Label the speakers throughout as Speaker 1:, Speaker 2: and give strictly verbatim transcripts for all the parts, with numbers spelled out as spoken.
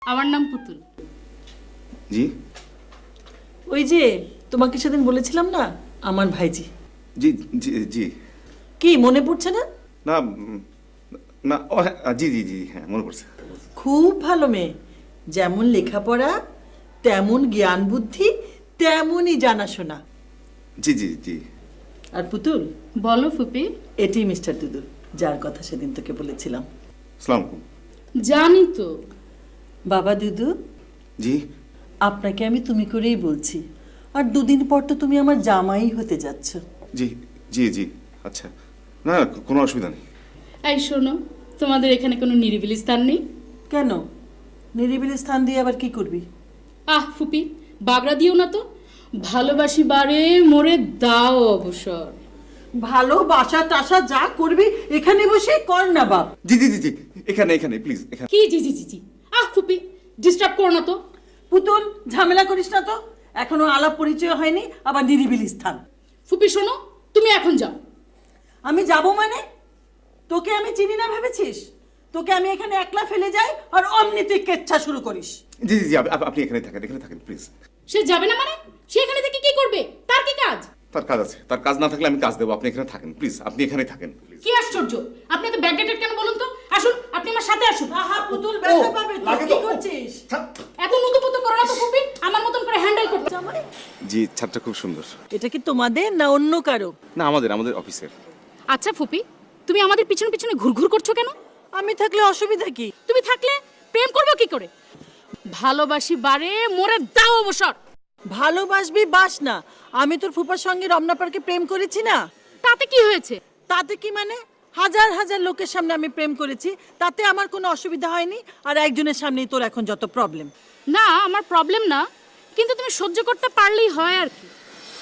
Speaker 1: আমার নাম পুতুল।
Speaker 2: জি
Speaker 3: ওই যে তোমাকে সেদিন বলেছিলাম না, আমার ভাইজি।
Speaker 2: জি জি জি
Speaker 3: কি মনে পড়ছে না?
Speaker 2: না উম, না ও হ্যাঁ, জি জি জি হ্যাঁ মনে পড়ছে।
Speaker 3: খুব ভালো মেয়ে, যেমন লেখাপড়া তেমন জ্ঞান বুদ্ধি তেমনই জানাশোনা।
Speaker 2: জি জি জি
Speaker 3: আর পুতুল,
Speaker 1: বলো ফুপি।
Speaker 3: এটি মিস্টার দুদু, যার কথা সেদিন তোকে বলেছিলাম।
Speaker 2: আসসালামু আলাইকুম।
Speaker 1: জানি তো।
Speaker 3: বাবা দুদু,
Speaker 2: জি
Speaker 3: আপনাকে আমি তুমি করেই বলছি, আর দুদিন পর তো তুমি আমার জামাই হতে যাচ্ছ।
Speaker 2: জি জি জি আচ্ছা, না না, কোনো অসুবিধা নেই।
Speaker 1: এই শোনো, তোমাদের এখানে কোনো নিরিবিলি স্থান নেই?
Speaker 3: কেন, নিরিবিলি স্থান দিয়ে আবার কি করবি?
Speaker 1: আহ ফুপি, বাগড়া দিও না তো। ভালোবাসি বারে মোরে দাও অবসর।
Speaker 3: ভালোবাসা টাসা যা করবি এখানে বসে কর না বাপ।
Speaker 2: জি জি জি জি এখানে এখানে প্লিজ এখানে।
Speaker 1: কি জি জি জি জি আহ ফুপি, ডিস্টার্ব করো না তো।
Speaker 3: পুতুল, ঝামেলা করিস না তো, এখনো আলাপ পরিচয় হয়নি, আবার নিরিবিলি স্থান।
Speaker 1: ফুপি শোনো, তুমি এখন যাও।
Speaker 3: আমি যাব মানে? তোকে আমি চিনি না ভেবেছিস? তোকে আমি এখানে একলা ফেলে যাই আর অমনি তুই কেচ্ছা শুরু করিস।
Speaker 2: জি জি জি আপ- আপ- আপনি এখানে থাকেন, এখানে থাকেন প্লিজ।
Speaker 1: সে যাবে না মানে? সে এখানে থেকে কি করবে? তার কি কাজ?
Speaker 2: তার কাজ আছে, তার কাজ না থাকলে আমি কাজ দেবো। আপনি এখানে থাকেন প্লিজ, আপনি এখানে থাকেন প্লিজ।
Speaker 1: কি আশ্চর্য, আপনি তো ব্যাকডেটেড কেন বলুন তো? আসুন, আপনি আমার সাথে আসুন।
Speaker 3: আহা পুতুল, ব্যথা পাবে তো,
Speaker 2: লাগে
Speaker 3: কি
Speaker 2: তো।
Speaker 3: করছিস?
Speaker 1: এত নুতুপুতু করো না তো ফুপি, আমার মতন করে হ্যান্ডেল করতে।
Speaker 3: জামাই,
Speaker 2: জি ছাদটা খুব সুন্দর।
Speaker 3: এটা কি তোমাদের না অন্য কারো?
Speaker 2: না আমাদের আমাদের অফিসের।
Speaker 1: আচ্ছা ফুপি, তুমি আমাদের পিছনে পিছনে ঘুরঘুর করছো কেন?
Speaker 3: আমি থাকলে অসুবিধা কি?
Speaker 1: তুমি থাকলে প্রেম করবো কি করে? ভালোবাসি বারে মোরে দাও অবসর।
Speaker 3: ভালোবাসবি বাস না, আমি তোর ফুপার সঙ্গে রমনা পার্কে প্রেম করেছি না।
Speaker 1: তাতে কি হয়েছে?
Speaker 3: তাতে কি মানে? হাজার হাজার লোকের সামনে আমি প্রেম করেছি, তাতে আমার কোনো অসুবিধা হয়নি। আর একজনের সামনেই তোর এখন যত প্রবলেম।
Speaker 1: না, আমার প্রবলেম না, কিন্তু তুমি সহ্য করতে পারলেই হয় আর কি।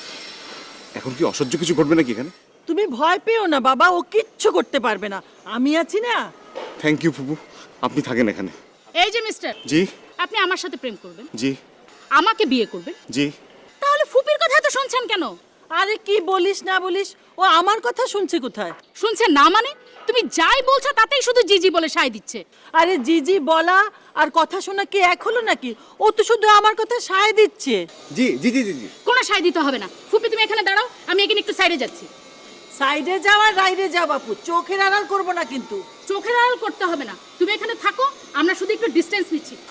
Speaker 2: এখন কি অসহ্য কিছু ঘটবে নাকি এখানে?
Speaker 3: তুমি ভয় পেও না বাবা, ও কিচ্ছু করতে পারবে না, আমি আছি না।
Speaker 2: থ্যাংক ইউ ফুপু, আপনি থাকেন এখানে।
Speaker 1: এই যে মিস্টার,
Speaker 2: জি
Speaker 1: আপনি আমার সাথে প্রেম করবেন,
Speaker 2: জি
Speaker 1: আমাকে বিয়ে করবেন,
Speaker 2: জি
Speaker 1: তাহলে ফুপির কথা তো শুনছেন কেন?
Speaker 3: আরে কি বলিস না বলিস, ও আমার কথা শুনছে কোথায়?
Speaker 1: শুনছেন না মানে? তুমি যাই বলছো তাতেই শুধু জিজি বলে সায় দিচ্ছে।
Speaker 3: আরে জিজি বলা আর কথা শোনা কি এক হলো নাকি? ও তো শুধু আমার কথা সায় দিচ্ছে।
Speaker 2: জি জি জি জি জি
Speaker 1: কোনো সায় দিতে হবে না। ফুপি তুমি এখানে দাঁড়াও, আমি এখানে একটু সাইডে যাচ্ছি।
Speaker 3: সাইডে যাও আর রাইডে যাও বাপু, চোখের আড়াল করবো না কিন্তু।
Speaker 1: চোখের আড়াল করতে হবে না, তুমি এখানে থাকো, আমরা শুধু একটু ডিস্টেন্স নিচ্ছি।